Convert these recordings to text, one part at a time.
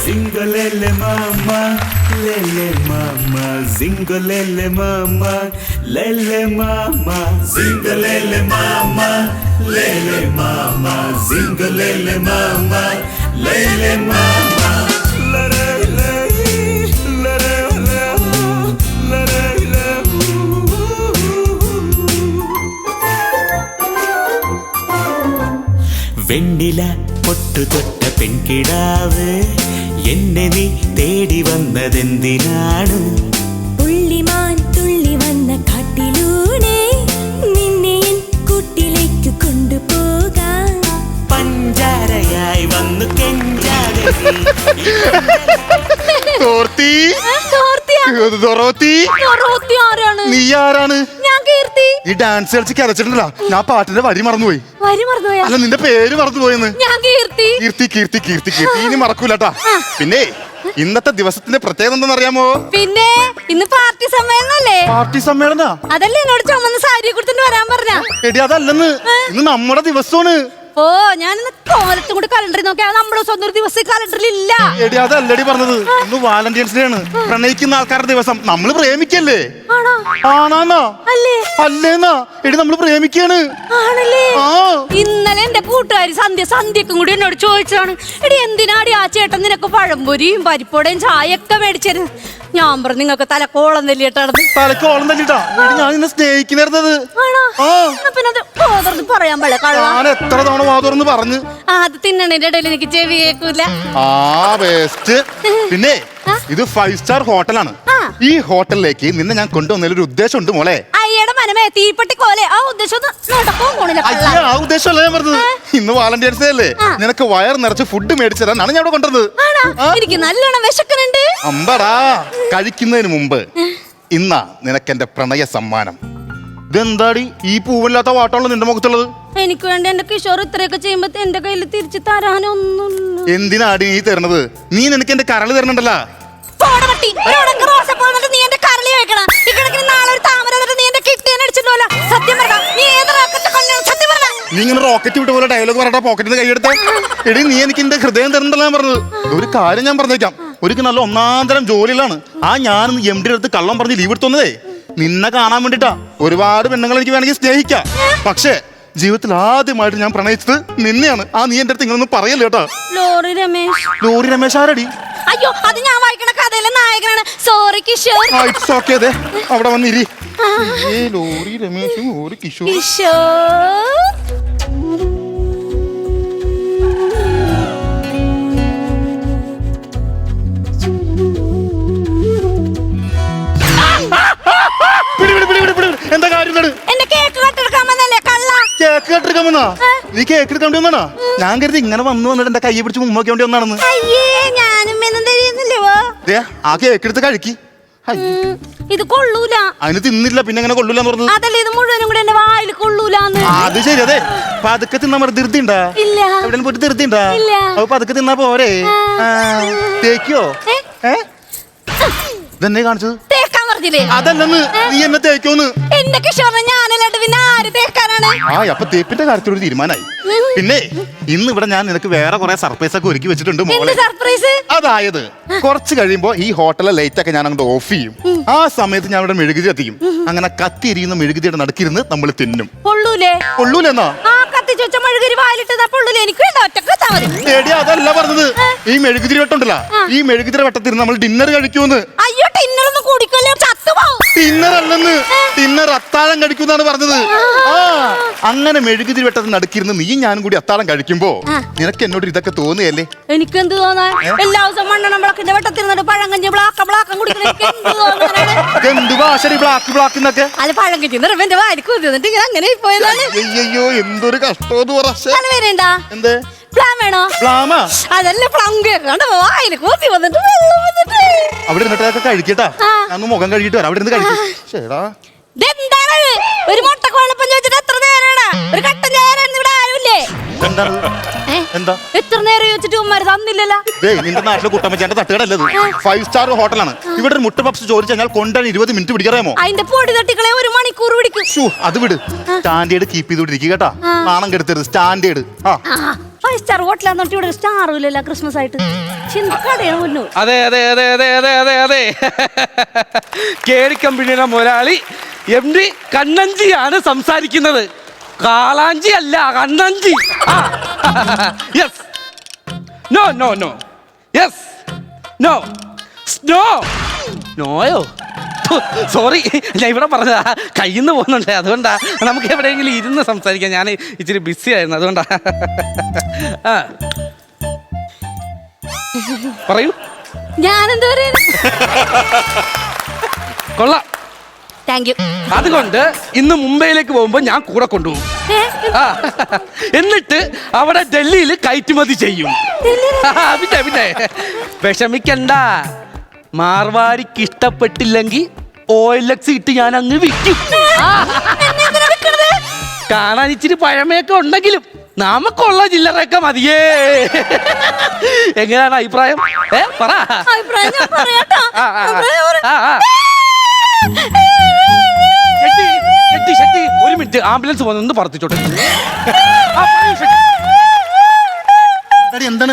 Zingolele mama, lele mama, zingolele mama, lele mama, zingolele mama, lele mama, zingolele mama, lele mama. വെണ്ണില പൊട്ടു തൊട്ട പെൺകിടാവ് എന്നെ നീ തേടി വന്നതെന്തിനാണ്? പുള്ളിമാൻ തുള്ളി വന്ന കാട്ടിലൂടെ നിന്നെ കൂട്ടിലേക്ക് കൊണ്ടുപോകാൻ പഞ്ചാരയായി വന്നു കെഞ്ചാടി നീ ആരാണ്? ഞാൻ കീർത്തി. ഈ ഡാൻസ് കളിച്ച് കരച്ചിട്ടുണ്ടല്ലോ, ഞാൻ പാട്ടിന്റെ വരി മറന്നുപോയി. അല്ല, നിന്റെ പേര് മറന്നുപോയെന്ന്. ഞാൻ കീർത്തി. കീർത്തി കീർത്തി കീർത്തി കീർത്തി ഇനി മറക്കൂലട്ടാ. പിന്നെ ഇന്നത്തെ ദിവസത്തിന്റെ പ്രത്യേകത എന്താണെന്നറിയാമോ? പിന്നെ ഇന്ന് പാർട്ടി സമ്മേളനല്ലേ? പാർട്ടി സമ്മേളന അതല്ലേ എന്നോട് ചുമന്ന സാരി കൊടുത്തിട്ട് വരാൻ പറഞ്ഞ? എടി അതല്ലെന്ന്, ഇന്ന് നമ്മുടെ ദിവസമാണ്. ഓ, ഞാൻ കോലത്തും കൂടി കലണ്ടറിൽ നോക്കിയാൽ നമ്മുടെ സ്വന്തം ഒരു ദിവസം കലണ്ടറിൽ ഇല്ല. എടി അതല്ലടി പറഞ്ഞത്, ഇന്ന് വാലന്റൈൻസ് ഡേ ആണ്, പ്രണയിക്കുന്ന ആൾക്കാരുടെ ദിവസം. നമ്മള് പ്രേമിക്കല്ലേ? ആണാന്നാ അല്ലേന്നാ? എടി നമ്മള് പ്രേമിക്കാണ്. ആണല്ലേ? ഇന്നലെ എന്റെ കൂട്ടുകാരി സന്ധ്യക്കും കൂടി എന്നോട് ചോദിച്ചതാണ്, എടി എന്തിനാടി ആ ചേട്ടൻ നിനക്ക് പഴംപൊരിയും പരിപ്പോടയും ചായയൊക്കെ മേടിച്ചത്? ഞാൻ പറഞ്ഞു, നിങ്ങൾക്ക് തലക്കോളം തല്ലിയിട്ടാണ്. തലക്കോളം തല്ലിട്ടാ? ഞാൻ നിന്നെ സ്നേഹിക്കുന്നത്. പിന്നെ പറയാൻ പാടില്ല. ഞാൻ എത്ര തവണ വാതുറന്ന് പറഞ്ഞു. അത് തിന്നണേന്റെ ഇടയിൽ എനിക്ക് ചെവി കേൾക്കൂല. പിന്നെ ഇത് 5 സ്റ്റാർ ഹോട്ടലാണ്. ഈ ഹോട്ടലിലേക്ക് നിന്നെ ഞാൻ കൊണ്ടുവന്നതിലൊരു ഉദ്ദേശമുണ്ട് മോളെ. അയ്യടെ മനമേ തീപ്പെട്ടി കോലെ. ആ ഉദ്ദേശം ആ ഉദ്ദേശമല്ല ഞാൻ പറഞ്ഞത്. ഇന്ന് വാലന്റൈൻസ് ഡേ അല്ലേ, നിനക്ക് വയർ നിറച്ച് ഫുഡ് മേടിച്ചു തരാനാണ് ഞാൻ ഇവിടെ കൊണ്ടുവന്നത്. എനിക്ക് നല്ലോണം വിശക്കുന്നുണ്ട്. അമ്പടാ, കഴിക്കുന്നതിന് മുമ്പ് ഇന്നാ നിനക്ക് എന്റെ പ്രണയ സമ്മാനം. ഇതെന്താടി ഈ പൂവില്ലാത്ത വാട്ടമുള്ള നിന്റെ മുഖത്തുള്ളത്? എനിക്ക് വേണ്ടി എന്റെ കിഷോർ ഇത്രയൊക്കെ ചെയ്യുമ്പോ എന്റെ കയ്യിൽ തിരിച്ചു തരാനൊന്നും. എന്തിനാടി നീ തരണത്? നീ നിനക്ക് എന്റെ കരള് തരണണ്ടല്ലോ. നീ ഇങ്ങനെ റോക്കറ്റ് വിട്ട പോലെ ഡയലോഗ് പറയട്ടെ, പോക്കറ്റിൽ നിന്ന് കൈയെടുത്ത. എടി, നീ എനിക്ക് എന്റെ ഹൃദയം തരണ്ടല്ലോ ഞാൻ പറഞ്ഞത്. ഒരു കാര്യം ഞാൻ പറഞ്ഞേക്കാം, ഒരിക്കൽ നല്ല ഒന്നാന്തരം ജോലിയിലാണ് ഞാൻ MD അടുത്ത് കള്ളം പറഞ്ഞ് ലീവ് എടുത്തോന്നതേ നിന്നെ കാണാൻ വേണ്ടിട്ടാ. ഒരുപാട് പെണ്ണുങ്ങൾ എനിക്ക് വേണമെങ്കിൽ സ്നേഹിക്കാം, പക്ഷേ ജീവിതത്തിൽ ആദ്യമായിട്ട് ഞാൻ പ്രണയിച്ചത് നിന്നെയാണ്. നീ എന്റെ അടുത്ത് ഇങ്ങനൊന്നും പറയല്ലേ കേട്ടോ. ലോറി രമേശ് ആരടി? അയ്യോ, അത് ഞാൻ വായിക്കണ കഥയിലെ നായകനാണ്. സോറി കിഷോർ. It's okay. ദേ അവിടെ വന്നിരി. ലോറി രമേശും ഒരു കിഷോർ. എന്താ കാര്യം? കേക്ക് കെട്ടെടുക്കാൻ വന്നാ? നീ കേക്ക് എടുക്കാൻ വേണ്ടി വന്നാണോ? ഞാൻ കരുതി ഇങ്ങനെ വന്നിട്ട് എന്റെ കൈ പിടിച്ച് മുമ്പോക്കി വേണ്ടി വന്നാണെന്ന്. ആ കേക്ക് എടുത്ത് കഴിക്കി. ഇത് കൊള്ളൂല. അതിന് തിന്നില്ല, പിന്നെ എങ്ങനെ കൊള്ളൂലെന്ന് പറഞ്ഞത്? അതല്ലേ, ഇത് മുഴുവനും കൂടെ എന്റെ വായിൽ കൊള്ളൂലെന്ന്. അത് ശരി. അതെ, പതുക്കെ തിന്നാ മതി. ധൃതി ഉണ്ടാ? എവിടെ പോയിട്ട് ധൃതി ഉണ്ടാ? അപ്പൊ പതുക്കെ തിന്നാ പോരെ. തേക്കോ? ഇതെന്നെ കാണിച്ചത്? അതല്ലെന്ന്, നീ എന്നെ തേക്കോന്ന്. എന്റെ കിഷോറിനെ ഞാനല്ലാണ്ട് പിന്നെ ആര് തേക്കാനാണ്? അപ്പൊ തേപ്പിന്റെ കാര്യത്തിലൊരു തീരുമാനമായി. പിന്നെ ഇന്ന് ഇവിടെ ഞാൻ നിനക്ക് വേറെ കുറെ സർപ്രൈസ് ഒക്കെ ഒരുക്കി വെച്ചിട്ടുണ്ട് മോളെ. അതായത് കുറച്ച് കഴിയുമ്പോ ഈ ഹോട്ടലിലെ ലൈറ്റ് ഒക്കെ ഞാൻ അങ്ങോട്ട് ഓഫ് ചെയ്യും. ആ സമയത്ത് ഞാൻ ഇവിടെ മെഴുകുതി കത്തിക്കും. അങ്ങനെ കത്തിയിരിക്കുന്ന മെഴുകുതിയുടെ നടുക്കിരുന്ന് നമ്മൾ തിന്നും. കൊള്ളൂലെന്നാ? അതല്ല പറഞ്ഞത്. ഈ മെഴുകുതിരി വെട്ടുണ്ടല്ലോ, ഈ മെഴുകുതിരി വെട്ടത്തിരുന്ന് നമ്മൾ ഡിന്നർ കഴിക്കൂന്ന്. ഡിന്നർ അല്ലെന്ന്, ഡിന്നർ അത്താഴം കഴിക്കുന്നാണ് പറഞ്ഞത്. അങ്ങനെ മെഴുകുതിരി വെട്ടത്തിന് നടുക്കിരുന്ന് നീ ഞാനും കൂടി അത്താഴം കഴിക്കുമ്പോ നിനക്ക് എന്നോട് ഇതൊക്കെ തോന്നുകയല്ലേ? എനിക്കെന്ത് തോന്നാൻ? എല്ലാ ദിവസവും മണ്ണെണ്ണ വിളക്കിന്റെ വെട്ടത്തിരുന്നിട്ട് പഴങ്കഞ്ഞി ബ്ലാക്കം കുടിക്കുന്നത് എന്ത് ഭാഷ ബ്ലാക്ക് എന്നൊക്കെ? അത് പഴങ്കഞ്ഞി നിറവെന്റെ വാരി കുതിർന്നിട്ട് അങ്ങനെ പോയതാണ്. അയ്യോ, എന്തൊരു കഷ്ടം. എന്ത് പ്ലാൻ വേണോ? അതല്ല അവിടെ ഇരുന്നിട്ടൊക്കെ കഴിക്കട്ടാ. ഞാൻ മുഖം കഴുകിട്ട് വരാം. അവിടെ ഇരുന്ന് കഴിക്കും. ഒരു മുട്ടക്ക് വെള്ളപ്പം ചോദിച്ചിട്ട് എത്ര നേരാണ്? ഒരു കട്ടൻ നേരം ഇവിടെ ആരുമില്ലേ? എന്താ എത്ര നേരം ചോദിച്ചിട്ട് ഉമ്മാര് തന്നില്ലല്ലോ. നിന്റെ നാട്ടിലെ കുട്ടമ്മച്ചാന്റെ തട്ടുകടല്ലത്, 5 സ്റ്റാർ ഹോട്ടലാണ്. ഇവിടെ ഒരു മുട്ട പപ്സ് ചോദിച്ചു കഴിഞ്ഞാൽ കൊണ്ടാൻ 20 മിനിറ്റ് പിടിക്കാമോ? അതിന്റെ പൊടി തട്ടിക്കളെ 1 മണിക്കൂർ പിടിക്കും. അത് വിട്, സ്റ്റാൻഡേർഡ് കീപ്പ് ചെയ്തോണ്ടിരിക്കുക കേട്ടാ. നാണം കെടുത്തരുത്. സ്റ്റാൻഡേർഡ്. ഫൈവ് സ്റ്റാർ ഹോട്ടലാന്ന് പറഞ്ഞിട്ട് ഇവിടെ സ്റ്റാറും ഇല്ലല്ലോ ക്രിസ്മസ് ആയിട്ട്. കടയാണ് മുന്നു. അതെ അതെ അതെ അതെ അതെ അതെ അതെ കേടി കമ്പനിയുടെ മുതലാളി MD കണ്ണഞ്ചിയാണ് സംസാരിക്കുന്നത്. കാളാഞ്ചി അല്ല, കണ്ണഞ്ചി. Yes. No no no. Yes. No. Snow. നോയോ? സോറി, ഞാൻ ഇവിടെ പറഞ്ഞതാ, കയ്യിൽ നിന്ന് പോകുന്നുണ്ട്. അതുകൊണ്ടാ നമുക്ക് എവിടെയെങ്കിലും ഇരുന്ന് സംസാരിക്കാം. ഞാൻ ഇച്ചിരി ബിസി ആയിരുന്നു, അതുകൊണ്ടാ. പറയൂ. ഞാനെന്താ പറയുന്നത്? കൊള്ളാം. Thank you. അതുകൊണ്ട് ഇന്ന് മുംബൈയിലേക്ക് പോകുമ്പോ ഞാൻ കൂടെ കൊണ്ടുപോകും. എന്നിട്ട് അവിടെ ഡൽഹിയിൽ കയറ്റുമതി ചെയ്യും. പിന്നെ പിന്നെ വിഷമിക്കണ്ട. മാർവാടിക്ക് ഇഷ്ടപ്പെട്ടില്ലെങ്കിൽ OLX ഇട്ട് ഞാൻ അങ്ങ് വിൽക്കും. കാണാൻ ഇച്ചിരി പഴമയൊക്കെ ഉണ്ടെങ്കിലും നമുക്കുള്ള ചില്ലറയൊക്കെ മതിയേ. എങ്ങനെയാണ് അഭിപ്രായം? പറ. ഒരു മിനിറ്റ്, ആംബുലൻസ് വന്ന് പറത്തിച്ചോട്ടെ. എന്താണ്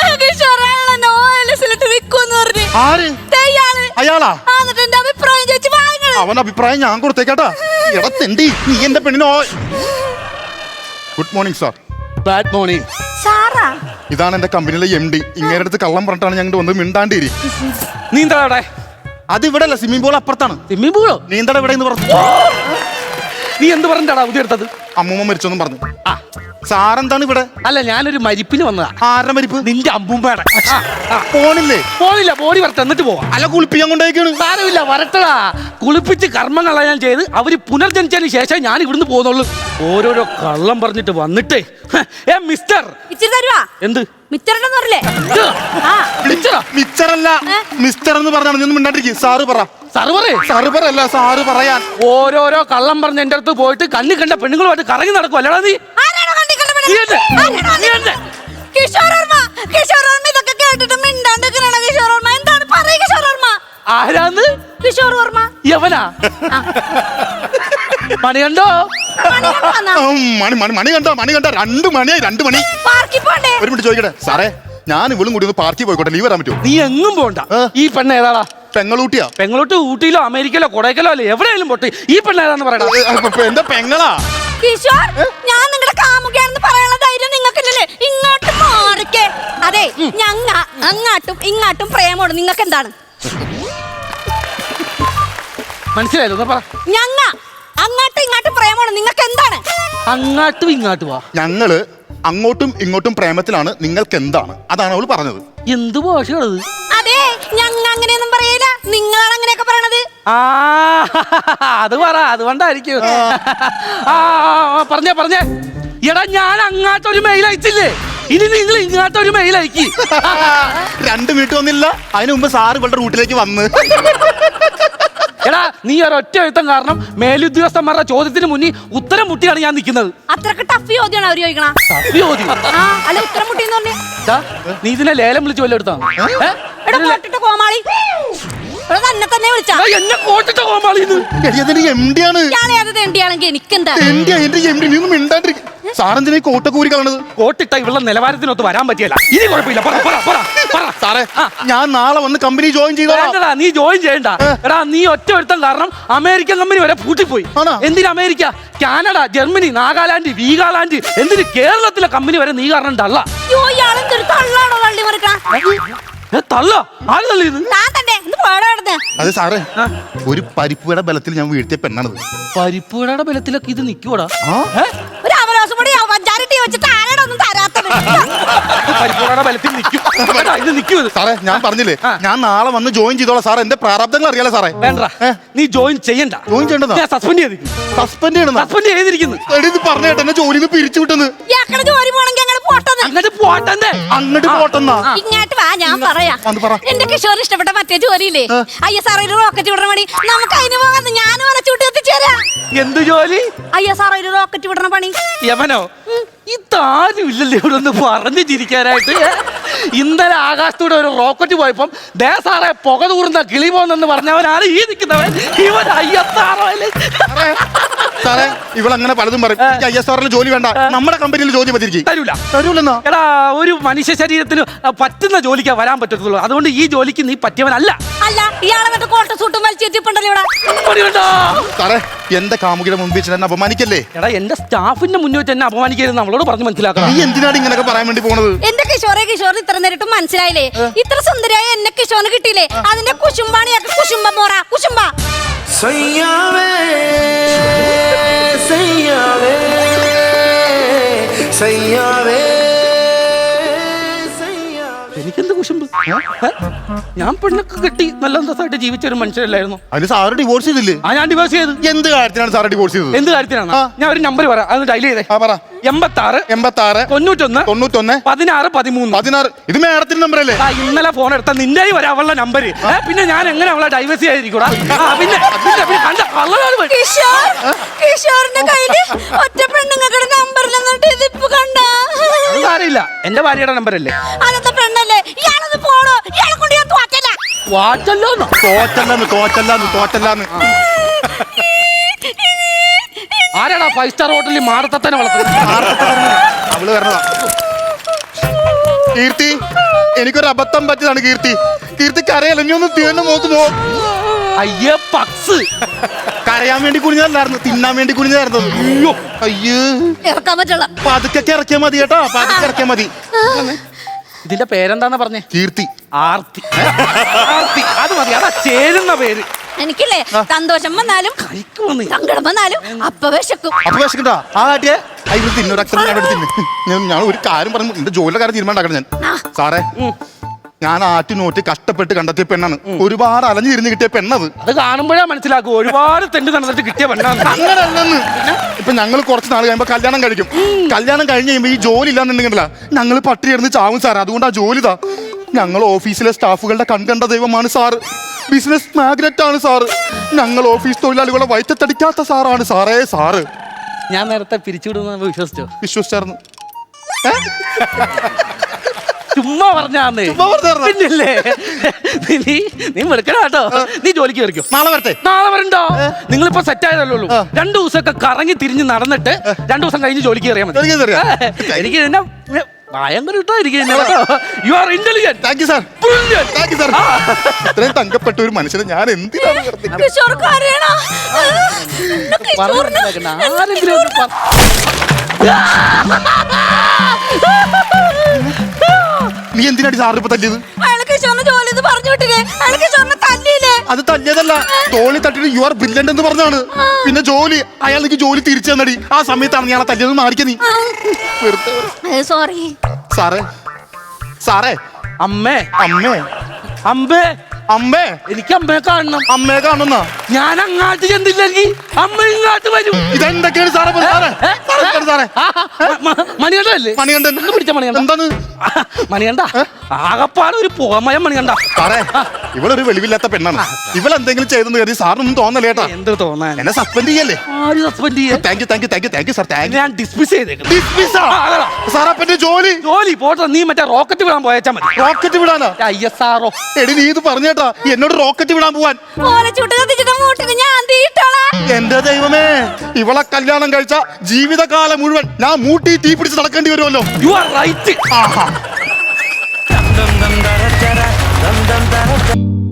അയാളാ? അവൻ അഭിപ്രായം ഞാൻ കൊടുത്തേക്കാട്ടാ. എടത്തെണ്ടി, നീ എന്റെ പെണ്ണിനോ. Good morning sir. Bad morning. ഇതാണ് എന്റെ കമ്പനിയിലെ MD. ഇങ്ങനെ അടുത്ത് കള്ളം പറഞ്ഞിട്ടാണ് ഞങ്ങൾ വന്ന് മിണ്ടാണ്ടിരി. നീന്താ അവിടെ? അത് ഇവിടെ അല്ല, സ്വിമ്മിംഗ് പൂൾ അപ്പുറത്താണ്. സ്വിമ്മിംഗ് പൂളോ? നീന്തട ഇവിടെ എന്ന് പറഞ്ഞു. നീ എന്ത് പറഞ്ഞാടാ പുതിയ എടുത്തത്? അമ്മൂമ്മ മരിച്ചൊന്നും പറഞ്ഞു. സാറെന്താണ് ഇവിടെ? അല്ല, ഞാനൊരു മരിപ്പിന് വന്നതാ. ആരുടെ മരിപ്പ്? നിന്റെ അമ്മൂമ്മയുടെ. പോണില്ലേ? പോണില്ല, ബോഡി വരട്ടെ എന്നിട്ട് പോവാം. അല്ല, കുളിപ്പിക്കാൻ കൊണ്ടേക്കാണ്. സാരമില്ല, വരട്ടടാ. കുളിപ്പിച്ച് കർമ്മങ്ങളാ ഞാൻ ചെയ്ത് അവര് പുനർജനിച്ചതിന് ശേഷം ഞാൻ ഇവിടുന്ന് പോകുന്നുള്ളൂ. ഓരോരോ കള്ളം പറഞ്ഞിട്ട് വന്നിട്ടേ. മിസ്റ്റർ, എന്ത് മിച്ചറല്ല, മിസ്റ്റർ എന്ന് പറഞ്ഞാണ്. നീ ഒന്നും മിണ്ടാണ്ടിരിക്കും. സാറ് പറ. സർവറല്ല, സാറ് പറയാൻ. ഓരോരോ കള്ളം പറഞ്ഞ് എന്റെ അടുത്ത് പോയിട്ട് കണ്ണി കണ്ട പെണ്ണുങ്ങളുമായിട്ട് കറങ്ങി നടക്കും. അല്ലടാ നീ? ആരാന്ന്? കിഷോർ വർമ്മ. യവനാ? മണി കണ്ടോ? മണി കണ്ടോ? മണി കണ്ടോ? 2 മണിയായി. 2 മണി. ഒരു മിനിറ്റ് ചോദിക്കട്ടെ സാറേ, ഞാൻ ഇവളും കൂടി ഒന്ന് പാർക്കിൽ പോയിക്കോട്ടെ. ലീവ് വരാൻ പറ്റുമോ? നീ എങ്ങും പോണ്ട. ഈ പെണ്ണ് ഏതാടാ? പെങ്ങളൂട്ടിയാ? പെങ്ങളൂട്ടി ഊട്ടിയിലോ അമേരിക്കയിലോ കൊടൈക്കലോ അല്ലേ എവിടെയെങ്കിലും പൊട്ടി. ഈ പെണ്ണ് ഏതാന്ന് പറയടാ. എന്റെ പെങ്ങളാ. കിഷോർ, ഞാൻ നിങ്ങളുടെ കാമുകയാണെന്ന് പറയാനുള്ള ധൈര്യം നിങ്ങൾക്കില്ലല്ലേ? ഇങ്ങോട്ട് മാറിക്കേ. അതെ, ഞങ്ങ അങ്ങാട്ടും ഇങ്ങാട്ടും പ്രേമോട്. നിങ്ങൾക്ക് എന്താണ് മനസ്സിലായല്ലോ? പറ. ഞങ്ങ അങ്ങാട്ടും ഇങ്ങാട്ടും പ്രേമോട്. നിങ്ങൾക്ക് എന്താണ്? അങ്ങാട്ടും ഇങ്ങാട്ടും വാ. ഞങ്ങള് അങ്ങോട്ടും ഇങ്ങോട്ടും പ്രേമത്തിലാണ്. നിങ്ങൾക്ക് എന്താണ്? അതാണ് അവള് പറഞ്ഞത്. എന്ത് ഭാഷയാണത്? അതെ, ഞങ്ങ അങ്ങനെയൊന്നും പറയില്ല. നിങ്ങളാണ് അങ്ങനെയൊക്കെ പറയണത്. അത് പറ, അതുകൊണ്ടായിരിക്കും. പറഞ്ഞേ. എടാ, ഞാൻ അങ്ങാട്ടൊരു മെയിൽ അയച്ചില്ലേ, ഇനി നിങ്ങൾ ഇങ്ങോട്ടൊരു മെയിൽ അയക്കി. 2 മിനിറ്റ് വന്നില്ല, അതിനു മുമ്പ് സാറ് ഇവളുടെ റൂട്ടിലേക്ക് വന്ന്. എടാ, നീ ഒരൊറ്റ എഴുത്തം കാരണം മേലുദ്യോഗസ്ഥന്മാരുടെ ചോദ്യത്തിന് മുന്നിൽ ഉത്തരം മുട്ടിയാണ് ഞാൻ നിൽക്കുന്നത്. അത്രക്ക് ടഫ് ചോദ്യമാണ് അവര് ചോദിക്കണ. അല്ല, ഉത്തരം മുട്ടി എന്ന് പറഞ്ഞേ. നീ ഇതിനെ ലേലം വിളിച്ച് വല്ല എടുത്താ? കോമാളി തന്നെ തന്നെ വിളിച്ചാ. എന്നെ കോട്ടിട്ട കോമാളി. MD ആണ്. ണെങ്കിൽ എനിക്കെന്താ? സാറെന്തിനാ കോട്ടൊക്കെ ഊരി കളണത്? കോട്ടിട്ട ഇവളുടെ നിലവാരത്തിനൊത്ത് വരാൻ പറ്റിയല്ല. ഇനി കുഴപ്പമില്ല. സാറേ, ഞാൻ നാളെ വന്ന് കമ്പനി ജോയിൻ ചെയ്തോളാം. നീ ജോയിൻ ചെയ്യണ്ട. എടാ, നീ ഒറ്റ ഒരുത്തം കാരണം അമേരിക്കൻ കമ്പനി വരെ പൂട്ടിപ്പോയി. എന്തിന് അമേരിക്ക, കാനഡ, ജർമ്മനി, നാഗാലാൻഡ്, വീഗാലാൻഡ്, എന്തിന് കേരളത്തിലെ കമ്പനി വരെ നീ കാരണം തള്ള. തള്ളോ? ആര് തള്ളിയത്? അതെ സാറേ, ഒരു പരിപ്പുവയുടെ ബലത്തിൽ ഞാൻ വീഴ്ത്തിയ പെണ്ണാണത്. പരിപ്പുവയുടെ ബലത്തിലൊക്കെ ഇത് നിൽക്കുവോടാ? പരിപ്പുവയുടെ ബലത്തിൽ നിൽക്കും. സാറേ, ഞാൻ പറഞ്ഞില്ലേ, ഞാൻ നാളെ വന്ന് ജോയിൻ ചെയ്തോളാം. സാറേ, എന്റെ പ്രാരാബ്ദങ്ങൾ അറിയാലോ സാറേ. വേണ്ട, നീ ജോയിൻ ചെയ്യണ്ട. ജോയിൻ ചെയ്യണ്ടോ? സസ്പെൻഡ് ചെയ്തിരിക്കുന്നു. സസ്പെൻഡ് ചെയ്തിരിക്കുന്നു. പറഞ്ഞു കേട്ടോ, എന്നെ ജോലിന്ന് പിരിച്ചു വിട്ടെന്ന്. അങ്ങോട്ട് പോട്ടെന്നാ. ഇങ്ങോട്ട് വാ, ഞാൻ പറയാം. എന്റെ കിഷോർ ഇഷ്ടപ്പെട്ട മറ്റേ ജോലിയില്ലേ, ISRO റോക്കറ്റ് വിടണ പണി, നമുക്ക് അതിന് പോകാന്ന് ഞാൻ വലച്ചൂട്ട് എത്തിച്ചേരാം. എന്ത് ജോലി? ISRO റോക്കറ്റ് വിടണ പണി. യമനോ? ഇതാരും ഇല്ലല്ലേ ഇവിടെ ഒന്ന് പറഞ്ഞു ചിരിക്കാനായിട്ട്. ഇന്നലെ ആകാശത്തൂടെ ഒരു റോക്കറ്റ് പോയപ്പം ദേ സാറേ പുക തൂർന്ന കിളി പോന്നെന്ന് പറഞ്ഞവനാണ് ഈ നിൽക്കുന്നവൻ. ഇവൻ അയ്യത്താറല്ലേ. സാറേ ഇവളങ്ങനെ പലതും പറയും. എനിക്ക് ISRL ജോലി വേണ്ട, നമ്മുടെ കമ്പനിയിൽ ജോലി മതിരിക്കും. തരൂല. തരൂലെന്നാ? എടാ ഒരു മനുഷ്യ ശരീരത്തിന് പറ്റുന്ന ജോലിക്കാ വരാൻ പറ്റത്തുള്ളൂ. അതുകൊണ്ട് ഈ ജോലിക്ക് നീ പറ്റിയവനല്ല. അല്ല ഇയാളെ മറ്റേ കോട്ട സൂട്ടും വലിച്ചിട്ടുണ്ടല്ലോ ഇവിടെ. പണിയുണ്ടോ? സാറേ എന്റെ കാമുകിയുടെ മുമ്പിൽ വെച്ച് എന്നെ അപമാനിക്കല്ലേ. എടാ എന്റെ സ്റ്റാഫിന്റെ മുന്നിൽ വെച്ച് എന്നെ അപമാനിക്കരുത് നമ്മളോട് പറഞ്ഞു മനസ്സിലാക്കണം. നീ എന്തിനാണ് ഇങ്ങനെയൊക്കെ പറയാൻ വേണ്ടി പോണത്? എന്റെ കിഷോർ ഇത്ര നേരിട്ട് മനസ്സിലായില്ലേ? ഇത്ര സുന്ദരിയായ എന്നെ കിഷോറിന് കിട്ടിയില്ലേ? അതിന്റെ കുശുംബാണിയൊക്കെ കുശുംബ മോറ കുശുംബ. സയ്യാവേ സയ്യാവേ സയ്യാവേ. എനിക്കെന്ത് കുശുമ്പ്? ഞാൻ പെണ്ണൊക്കെ കെട്ടി നല്ല അന്തസ്സായിട്ട് ജീവിച്ച ഒരു മനുഷ്യരല്ലായിരുന്നു. അതിന് സാറ് ഡിവോഴ്സ് ചെയ്തില്ലേ? ഞാൻ ഡിവോഴ്സ് ചെയ്ത്. എന്ത് കാര്യത്തിനാണ് സാറ് ഡിവോഴ്സ് ചെയ്തത്? എന്ത് കാര്യത്തിനാണ്? ഞാൻ ഒരു നമ്പർ പറയാം, അത് ഡയൽ ചെയ്തേ. പറ. 86 86 91 91 16 13 16. ഇത് മേഡത്തിന്റെ നമ്പർ അല്ലേ? ഇന്നലെ ഫോൺ എടുത്ത നിന്റെ വരെ അവളുടെ നമ്പർ. പിന്നെ ഞാൻ എങ്ങനെ അവളെ ഡൈവേഴ്സ് ചെയ്യാതിരിക്കൂടാ? പിന്നെ കണ്ട കള്ളനാണ് പോയി. കിഷോറിന്റെ കയ്യില് ഒറ്റ പെണ്ണുങ്ങളുടെ നമ്പറിലെന്നിട്ട് ഇതിപ്പോ കണ്ട. അറിയില്ല, എന്റെ ഭാര്യയുടെ നമ്പർ അല്ലേ? അന്നത്തെ പെണ്ണല്ലേ? ഇയാളൊന്ന് പോണോ? ഇയാളെ കൊണ്ട് ഞാൻ തോറ്റല്ല. വാച്ചല്ലോന്നോ? തോറ്റല്ലാന്ന്. ആരാടാ 5 സ്റ്റാർ ഹോട്ടലിൽ മാടത്തന്നെ വളർത്തുന്നത്? അവള് വരണതാ. കീർത്തി, എനിക്കൊരു അബദ്ധം പറ്റിയതാണ് കീർത്തി. കീർത്തിക്ക് അറിയാലോ, നീ ഒന്ന് തീർന്നു നോക്ക് പോ. അയ്യേ പക്സ്. കരയാൻ വേണ്ടി കുനിഞ്ഞല്ലായിരുന്നു, തിന്നാൻ വേണ്ടി കുനിഞ്ഞായിരുന്നു. അയ്യോ അയ്യോ, ഇറക്കാൻ പറ്റുള്ള. പതുക്കെ ഇറക്കിയാ മതി കേട്ടോ, പതുക്കെ ഇറക്കിയാ മതി. ഇതിന്റെ പേരെന്താന്ന് പറഞ്ഞേ? കീർത്തി. ആർത്തി. ആർത്തി അത് മതി, അതാ ചേരുന്ന പേര്. എനിക്കില്ലേ സന്തോഷം വന്നാലും സങ്കടം വന്നാലും അപ്പ വിശക്കും. അപ്പൊ വിശക്കണ്ടാ ആ കാട്ടിയെ അതിന് തിന്നൊരു അക്ഷരം ഞാൻ തിന്നു. ഞാൻ ഒരു കാര്യം പറഞ്ഞു, എന്റെ ജോലിയുടെ കാര്യം തീരുമാനം ഞാൻ. സാറേ ഞാൻ ആറ്റുനോറ്റ് കഷ്ടപ്പെട്ട് കണ്ടെത്തിയ പെണ്ണാണ്, ഒരുപാട് അലഞ്ഞിരുന്ന് കിട്ടിയ പെണ്ണത്. അത് കാണുമ്പോഴേ മനസ്സിലാക്കും ഒരുപാട് തെണ്ടി നടന്നിട്ട് കിട്ടിയ പെണ്ണാണ്. അങ്ങനല്ലെന്ന്. ഇപ്പൊ ഞങ്ങൾ കുറച്ച് നാൾ കഴിയുമ്പോ കല്യാണം കഴിക്കും. കല്യാണം കഴിഞ്ഞ് കഴിയുമ്പോ ഈ ജോലി ഇല്ലാന്നുണ്ടെങ്കിലല്ല ഞങ്ങൾ പട്ടി കിടന്ന് ചാവും സാർ. അതുകൊണ്ട് ആ ജോലി ഇതാ. ഞങ്ങൾ ഓഫീസിലെ സ്റ്റാഫുകളുടെ കൺകണ്ട ദൈവമാണ് സാറ്. ബിസിനസ് മാഗ്നറ്റ് ആണ് സാറ്. ഞങ്ങൾ ഓഫീസ് തൊഴിലാളികളെ വയറ്റത്തടിക്കാത്ത സാറാണ് സാറേ സാറ്. ഞാൻ നേരത്തെ പിരിച്ചുവിടുന്ന വിശ്വസിച്ചായിരുന്നു. ചുമ്മാ പറഞ്ഞാന്നേ. പിന്നല്ലേ നീ വെറുക്കണ കേട്ടോ. നീ ജോലിക്ക് കയറിക്കോ. നാളെ വരട്ടെ. നാളെ വരണ്ടോ? നിങ്ങളിപ്പോ സെറ്റ് ആയതല്ലോ. 2 ദിവസമൊക്കെ കറങ്ങി തിരിഞ്ഞ് നടന്നിട്ട് 2 ദിവസം കഴിഞ്ഞ് ജോലിക്ക് കയറിയാൽ മതി. എനിക്ക് എന്നെ ഭയങ്കര you are intelligent. Thank you sir. Thank you sir. ഇത്രയും തങ്കപ്പെട്ട ഒരു മനുഷ്യനെ ഞാൻ എന്തിനാണ് നീ എന്തിനാണ് സാറിന് ഇപ്പൊ തല്ലിയത്? അത് തല്ലിയതല്ല, തോളി തട്ടിട്ട് യു ആർ ബ്രില്യന്റ് എന്ന് പറഞ്ഞാണ്. പിന്നെ ജോലി അയാൾ എനിക്ക് ജോലി തിരിച്ചു തന്നടി. ആ സമയത്താണ് ഞാൻ തല്ലിയത്. മാറിക്ക നീ. സോറി സാറേ സാറേ. അമ്മേ അമ്മേ അമ്പേ അമ്മേ. എനിക്ക് അമ്മയെ കാണണം. അമ്മയെ കാണുന്ന ഞാൻ അങ്ങാട്ട് ചെന്നില്ലെങ്കിൽ അമ്മ ഇങ്ങോട്ട് വരും. ഇതെന്തൊക്കെയാണ് സാറേ? സാറേ മണികണ്ടല്ലേ? മണികണ്ഠൻ പിടിച്ച മണികണ്ട. എന്താണ് മണികണ്ട? ആകപ്പാട് ഒരു പുകമയം മണികണ്ട. സാറേ ഇവളൊരു വെളിവില്ലാത്ത പെണ്ണാണ്. ഇവളെന്തെങ്കിലും ചെയ്തെന്ന് കരുതി സാറിനൊന്നും തോന്നല്ലേ കേട്ടാ? എന്ത് തോന്നാൻ? എന്നെ സസ്പെൻഡ് ചെയ്യല്ലേ? ആര് സസ്പെൻഡ് ചെയ്യാൻ? Thank you thank you thank you thank you sir. Thank you. ഞാൻ ഡിസ്മിസ് ചെയ്തേക്കും. സാറാ പിന്നെ ജോലി പോട്ടെ. നീ മറ്റേ റോക്കറ്റ് വിടാൻ പോയച്ചാ മതി. റോക്കറ്റ് വിടാനാ? ISRO. എടി നീ ഇത് പറഞ്ഞേട്ടാ എന്നോട് റോക്കറ്റ് വിടാൻ പോവാൻ. എന്റെ ദൈവമേ, ഇവളെ കല്യാണം കഴിച്ച ജീവിതകാലം മുഴുവൻ ഞാൻ മൂട്ടി തീ പിടിച്ച് നടക്കേണ്ടി വരുമല്ലോ. You are right. ആഹാ.